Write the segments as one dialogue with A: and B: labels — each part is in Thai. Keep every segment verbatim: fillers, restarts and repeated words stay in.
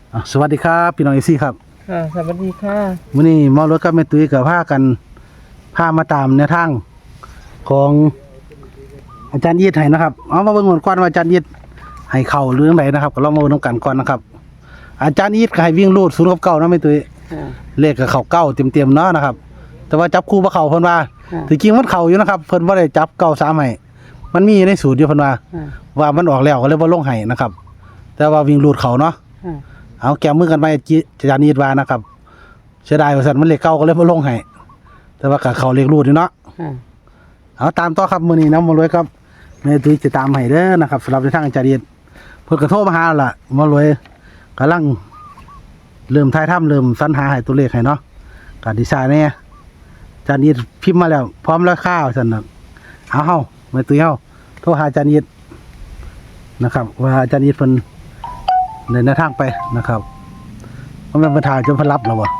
A: สวัสดีครับพี่น้องเอซี่ครับ
B: ค่ะสวัสดีค่ะ
A: วันนี้มอรถกับแม่ตุ้ยกับพากันพามาตามแนวทางของอาจารย์ยีดให้นะครับเอามาเบิ่งก่อนก่อนว่าอาจารย์ยีดให้เข่าหรือจังไดนะครับก็ลองมาเบิ่งนำกันก่อนนะครับอาจารย์ยีดก็ให้วิ่งลูดศูนย์กับเก้านะแม่ตุ้ยเลขก็เข้าเก้าเต็มๆเนาะนะครับแต่ว่าจับคู่บ่เข้าเพิ่นว่าถึงจริงมันเข้าอยู่นะครับเพิ่นบ่ได้จับเก้าสามให้มันมีในสูตรอยู่เพิ่นว่าว่ามันออกแล้วก็เลยบ่ลงให้นะครับแต่ว่าวิ่งลูดเข้าเนาะเอาแก้มือกันไปอาจารย์ยีดว่านะครับเสียดายว่าซั่นมันเลขเก้าก็เลยบ่ลงให้แต่ว่าก็เข้าเลขรูดอยู่เนาะเอาตามต่อครับมื้อนี้น้ำมารวยครับแม่ตุ้ยจะตามให้เด้อนะครับสำหรับในทางอาจารย์ยีดเพิ่นก็โทรมาหาแล้วล่ะมารวยกำลังเริ่มถ่ายทำเริ่มสรรหาให้ตัวเลขให้เนาะก็ดีไซน์แน่อาจารย์ยีดพิมพ์มาแล้วพร้อมแล้วข้าวซั่นน่ะเอาเฮาแม่ตุ้ยเฮาโทรหาอาจารย์ยีดนะครับว่าอาจารย์ยีดเพิ่นในแนวทางไปนะครับเพราะมันเป็นทางจนเพิ่นรับแล้วบ่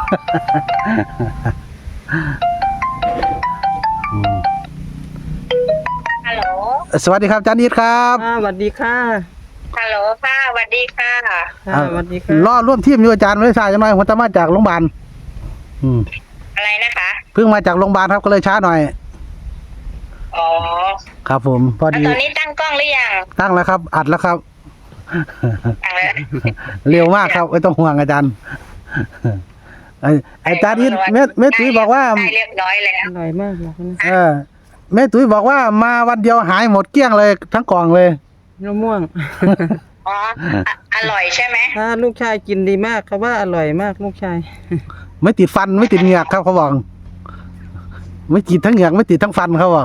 C: ฮัลโหล
A: สวัสดีครับอาจารย์ยีดครับ
B: สวัสดีค่ะ
C: ฮัลโหลค่ะสวัสดีค่ะ
B: ค่ะสวัสดีค่ะ
A: รอร่วมทีมอยู่อาจารย์ไม่ได้ช้าจังหน่อยผมจะมาจากโรงพยาบาลอืม
C: อะไรนะคะ
A: เพิ่งมาจากโรงพยาบาลครับก็เลยช้าหน่อย
C: อ๋อ
A: ครับผมพอ
C: แล้ว
A: ดี
C: ตอนนี้ตั้งกล้องหรือยัง
A: ตั้งแล้วครับ อัดแล้วครับ
C: ตั้งแล้ว
A: เร็วมากครับไม่ต้องห่วงอาจารย์ไอ้อาจารย์ยีดแม่แม่ตุ้ยบอกว่า
C: ได้เรียบร้อยแล้ว
B: อร่อยมากเลยนะ
A: เออแม่ตุ้ยบอกว่ามาวันเดียวหายหมดเกลี้ยงเลยทั้งกล่องเลย
B: มะม่วง
C: อ๋ออ่ะอร่อยใช่ไหม
B: ถ้าลูกชายกินดีมากเขาว่าอร่อยมากลูกชาย
A: ไม่ติดฟันไม่ติดเหงือกครับเขาบอกไม่ติดทั้งเหงือกไม่ติดทั้งฟันเขาบอก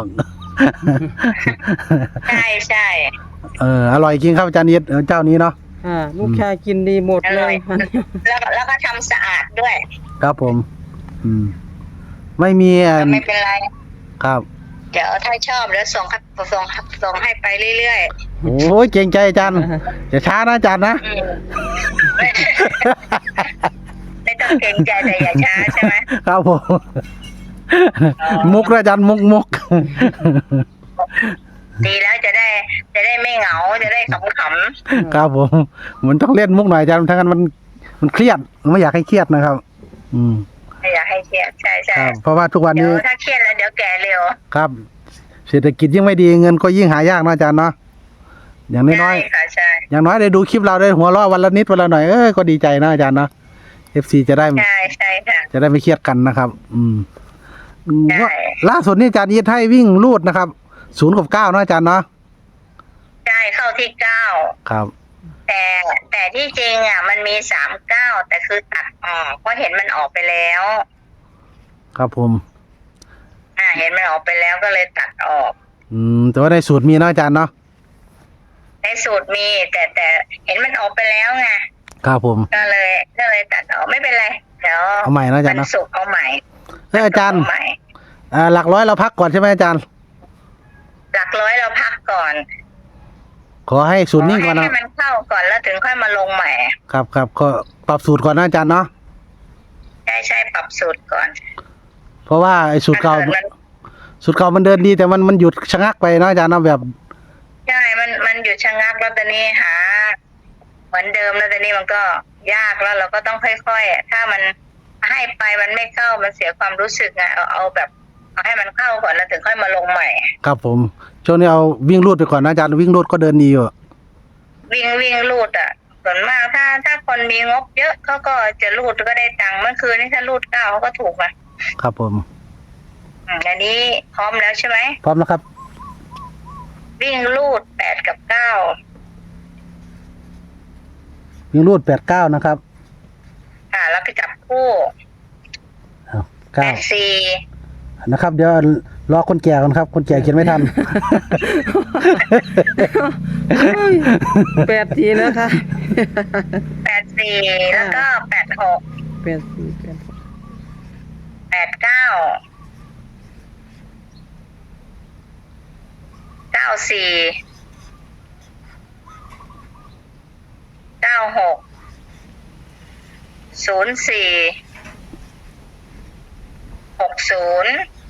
C: ใช่ใช่
A: เอออร่อยจริงครับอาจารย์ยีดเออเจ้านี้เนาะ
B: ค่ะลูกชายกินดีหมด
C: อ
B: เล
C: ร่อย
B: ย
C: แล้วก็แล้วก็ทำสะอาดด้วย
A: ครับผม อืม ไม่มีอัน
C: ไม่เป็นไร
A: ครับ
C: เดี๋ยวถ้าชอบแล้วส่งครับส่งส่งให้ไปเรื่อย
A: โอ้ยเก่งใจอาจารย์อย่าช้านะอาจารย์นะ
C: ๆอืม ไม่ต้องเกรงใจแต่อย่าช้าใช่ไหม
A: ครับผมมุกนะอาจารย์มุกมุก
C: ดีแล้วจะได้จะได้ไม่เหงาจะได้ขำ
A: ครับผมมันต้องเล่นมุกหน่อยอาจารย์ทั้งนั้นมันมันเครียดไม่อยากให้เครียดนะครับ อืม
C: ๆไม่อยากให้เครียดใช่ใช่
A: ครับ เพราะว่าทุกวัน
C: เดี๋ย
A: นี้
C: วถ้าเครียดแล้วเดี๋ยวแก่เร็ว
A: ครับ เศรษฐกิจยิ่งไม่ดีเงินก็ยิ่งหายากนะอาจารย์เนาะอย่างน้
C: ใช่
A: อย
C: ค่ะใช่
A: ๆอย่างน้อยได้ดูคลิปเราได้หัวเราะวันละนิดวันละหน่อยเอ้ยก็ดีใจนะอาจารย์เนาะเอฟซีจะได้
C: ใช่ใช่ค่ะ
A: จะได้ไม่เครียดกันนะครับ อืม
C: ใช่
A: ล่าสุดนี่อาจารย์ยีดให้วิ่งลูดนะครับศูนย์กับเก้านะอาจารย์เนาะ
C: ใช่เข้าที่เก้า
A: ครับ
C: แต่แต่ที่จริงอ่ะ มันมีสามเก้าแต่คือตัดออกเพราะเห็นมันออกไปแล้ว
A: ครับผม
C: อ่า เห็นมันออกไปแล้วก็เลยตัดออก
A: อืมแต่ว่าในสูตรมีนะอาจารย์เนาะ
C: ในสูตรมี แต่แต่เห็นมันออกไปแล้วไง
A: ครับผม
C: ก็เลยก็เลยตัดออกไม่เป็นไรเดี๋ยว
A: เอาใหม่นะอาจารย์
C: วั
A: เนาะ
C: ศุกร์เอาใหม่
A: เอออาจารย์
C: เใหม่
A: อ่าหลักร้อยเราพักก่อนใช่ไหมอาจารย์
C: หลักร้อยเราพักก่อน
A: ขอให้สูตรนิ่งก่อน
C: ให้
A: นะ
C: ให้มันเข้าก่อนแล้วถึงค่อยมาลงใหม่
A: ครับครับก็ปรับสูตรก่อนนะอาจารย์เนาะ
C: ใช่ใช่ปรับสูตรก่อน
A: เพราะว่าไอ้สูตรเก่า
C: ถ้กิดมัน
A: สูตรเก่ามันเดินดีแต่มันมันหยุดชะงักไปนะอาจารย์เนาะแบบ
C: ใช่ มัน มันหยุดชะงักแล้วตอนนี้หา เหมือนเดิมแล้วตอนนี้มันก็ยากแล้วเราก็ต้องค่อยๆ ถ้ามันให้ไปมันไม่เข้า มันเสียความรู้สึกไงเอาเอาแบบเอาให้มันเข้าก่อนแล้วถึงค่อยมาลงใหม่
A: ครับผมช่วงนี้เอาวิ่งรูดไปก่อนนะอาจารย์วิ่งรูดก็เดินดีอยู่
C: วิ่งวิ่งรูดอ่ะ ส่วนมากถ้าถ้าคนมีงบเยอะเขาก็จะรูดก็ได้ตังค์เมื่อคืนนี้ถ้ารูดเก้าเขาก็ถูกอ่ะ
A: ครับผม
C: อืมอันนี้พร้อมแล้วใช่ไหม
A: พร้อมแล้วครับ
C: วิ่งรูดแปดกับเก้า
A: วิ่งรูดแปดเก้านะครับ
C: อ่า แล้วก็จับคู่
A: เอา
C: แป
A: เก้า
C: ดสี่
A: นะครับ เดี๋ยวรอคนแก่ก่อนครับ คนแก่เขียนไม่ทัน
B: แปดทีนะคะ
C: แปดสี่แล้วก็แปดหก
B: แปดสี่แปดหก
C: แปดเก้าเก้าสี่เก้าหกศูนย์สี่หกศูนย์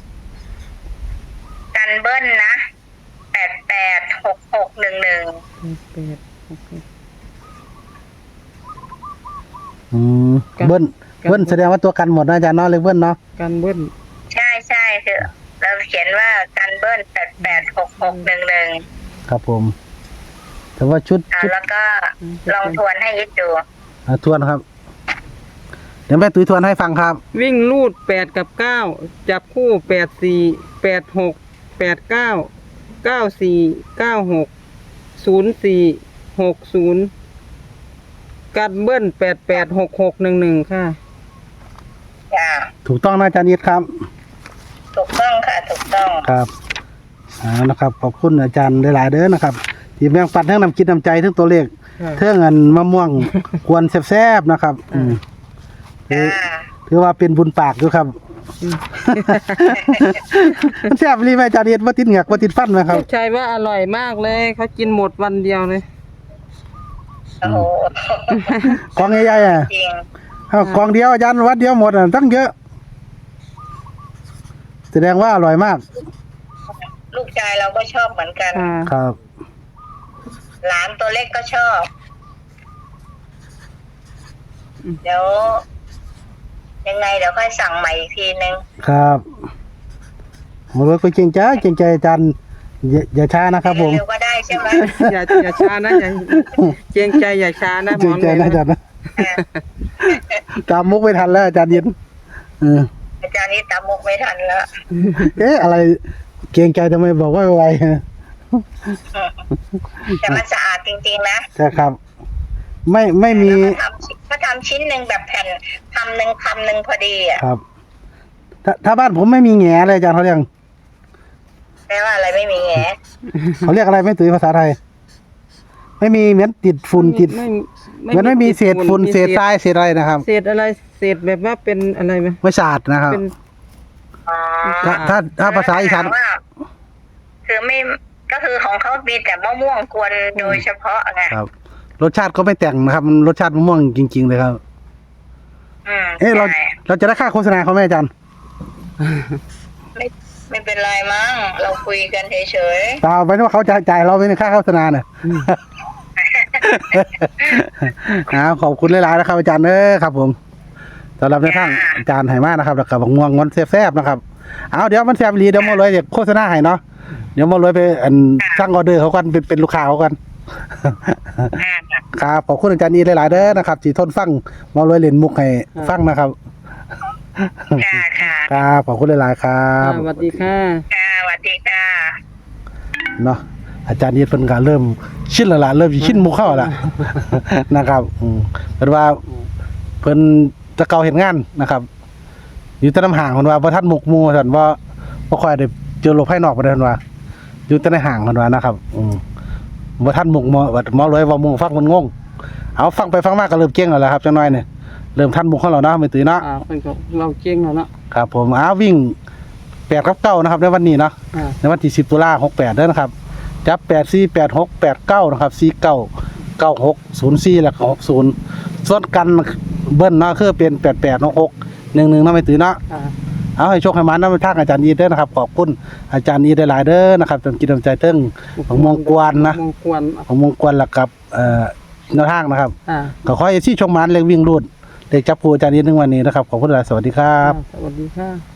C: กันเบิ้ลนะแปดแปดหกหกหนึ่งหนึ่ง
B: แปดหกหก
A: อืม
B: กัน
A: เบิ้ล
B: กัน
A: เบิ้ลแสดงว่าตัวกันหมดนะอาจารย์เนาะเลขเบิ้ลเนาะ
B: กันเบิ้ล
C: ใช่ใช่คือเราเขียนว่ากันเบิ้ลแปดแปดหกหกหนึ่งหนึ่ง
A: ครับผม แต่ว่าชุด
C: อ่า
A: ชุด
C: แล้วก็ลองทวนให้ยิดดู
A: อ่าทวนครับ เดี๋ยวแม่ตุ้ยทวนให้ฟังครับ
B: วิ่งลูดแปดกับเก้าจับคู่แปดสี่แปดหกแปดเก้าเก้าสี่เก้าหกศูนย์สี่หกศูนย์กันเบิ้ลแปดแปดหกหกหนึ่งหนึ่งค่ะ
C: จ้า
A: ถูกต้องนะอาจารย์ยิดครับ
C: ถูกต้องค่ะถูกต้อง
A: ครับอ่านะครับ ขอบคุณอาจารย์หลายๆเด้อนะครับ ที่แบ่งปันทั้งนำคิดนำใจทั้งตัวเลข
B: ค่ะ
A: เท่าเงินมะม่วง กวนแซ่บๆนะครับ อืมถือ
C: จ้า
A: ถือว่าเป็นบุญปากอยู่ครับ มันแซ่บรีไหมอาจารย์ยิดว่าติดเหงือกว่าติดฟันไหมครับ
B: ลูกชายว่าอร่อยมากเลยเขากินหมดวันเดียวเลย
C: โอ้โห
A: กองใหญ่ๆอ่ะ
C: จริง
A: อ้าวกองเดียวอาจารย์วัดเดียวหมดอ่ะตั้งเยอะ แสดงว่าอร่อยมาก
C: ลูกชายเราก็ชอบเหมือนกัน
B: ค่ะ
A: ครับ
C: หลานตัวเล็กก็ชอบ เดี๋ยว ยังไงเดี๋ยวค่อยสั่งใหม่อีกทีนึง
A: ครับผมว่าก็เก่งใจเก่งใจอาจารย์อย่าอย่าช้านะครับผม
C: เร็วๆก็ได้ใช่ไหม
B: อย่าอย่าช้านะอย่าเกรงใจอย่าช้านะหม
A: เก่
B: อง
A: ใจนะอาจารย์นะตามมุกไม่ทันแล้วอาจารย์เย็นเออ
C: อาจารย์นี่ตามมุกไม่ทันแล้ว
A: เอ๊ะอะไรเก่งใจทำไมบอกว่าไวๆฮะ
C: แต่มันสะอาดจริงๆนะ
A: ใช่ครับ ไม่ไม่มี
C: แล้วก็ทำชิ้นก็ทำชิ้นหนึ่งแบบแผ่นคำหนึ่งคำหนึ่งพอดีอ่ะ
A: ครับ ถ้าถ้าบ้านผมไม่มีแง่เลยอาจารย์เขาเรียก
C: แปลว่าอะไรไม่มีแง่
A: เขาเรียกอะไรไม่ตื่นภาษาไทย ไม่มีเหมือนติดฝุ่นติด
B: ไม่
A: เหมือนไม่มีเศษฝุ่น
B: มี
A: เศษทรายเศษอะไรนะครับ
B: เศษอะไรเศษแบบว่าเป็นอะไรไหม
A: ไม่สะอาดนะครับ
B: เป็น
C: อ๋อ
A: ถ้าถ้าถ้าภาษาอีสาน
C: ถมว่คือไม่ก็คือของเขามีแต่มะม่วงกวนโดยเฉพาะไง
A: ครับ รสชาติก็ไม่แต่งนะครับมันรสชาติมะม่วงจริง ๆ เลยครับ
C: อืม
A: เอ๊ะเรา
C: ใช่
A: เราจะได้ค่าโฆษณาเขาไหมอาจารย์
C: ไม่ไม่เป็นไรมั้งเราคุยกันเฉย
A: เปล่าไม่ว่าเขาจะจ่ายเราไหมในค่าโฆษณาเนี่ย ครับขอบคุณหลายๆนะครับอาจารย์เด้อครับ ผมสำหรับในทางอาจารย์ไหมากนะครับแล้วก็บักง่วงงอนแซ่บๆนะครับเอาเดี๋ยวมันแซ่บอีหลีเดี๋ยวมาเลยเดี๋ยวโฆษณาให้เนาะเดี๋ยวมาเลยไปอันสร้างออเดอร์เขากันเป็นเป็นลูกค้าเขากัน
C: ๆอ่า
A: ครับขอบคุณอาจารย์อีหลายๆเด้อนะครับที่ทนฟังมาเลยเล่นมุกให้ฟังนะครับ
C: ค่ะค่ะ
A: ครับขอบคุณหลายๆครับ
B: สวัสดีค่ะ
C: ค่ะสวัสดีค่ะ
A: เนาะอาจารย์ยีดเพิ่นก็เริ่มชินแล้วล่ะเริ่มสิชินมุกเข้าแล้ว นะครับอืมเพิ่นว่าเพิ่นแตะเก่าเห็นงานนะครับ อยู่แต่น้ำห่างเพิ่นว่าบ่ทันมุกหมู่ท่านว่าบ่ค่อยได้เจอโลกภายนอกปานใดเพิ่นว่า อยู่แต่ในห่างเพิ่นว่านะครับ อืมบ่ทันมุกหมอว่าหมอเลยว่าหมู่ฟังมันงงเอาฟังไปฟังมาก็เริ่มเก่งแล้วล่ะครับจังน้อยนี่เริ่มทันมุกของเราเนาะไม่ตื่นเนาะ
B: อ่าเป็นก็เราเก่งแล้วเนาะ
A: ครับผมอ้าววิ่งแปดกับเก้านะครับในวันนี้เนาะ
B: อ่า
A: ในวันที่สิบตุลาหกแปดเด้อนะครับจับแปดสี่แปดหกแปดเก้านะครับสี่เก้าเก้าหกศูนย์สี่แล้วก็หกศูนย์ส่วนกันเบิ้ลเนาะคือเป็นแปดแปดหกหกหนึ่งหนึ่งเนาะไม่ตื่นเนาะ
B: อ่า
A: เอาให้โชคให้มันเนาะไปทางอาจารย์ยีเด้อนะครับขอบคุณอาจารย์ยีได้หลายเด้อนะครับจนกินน้ำใจเติ้งของมงกวนนะ
B: มงกวน
A: ของมงกวนแล้วกับเอ่อแนวทางนะครับ
B: อ่า
A: ก็ขอให้ที่ชมมันเล็กวิ่งรูดเด็กจับผู้อาจารย์ยีหนึ่งวันนี้นะครับขอบคุณหลายสวัสดีครับ
B: สวัสดีค่ะ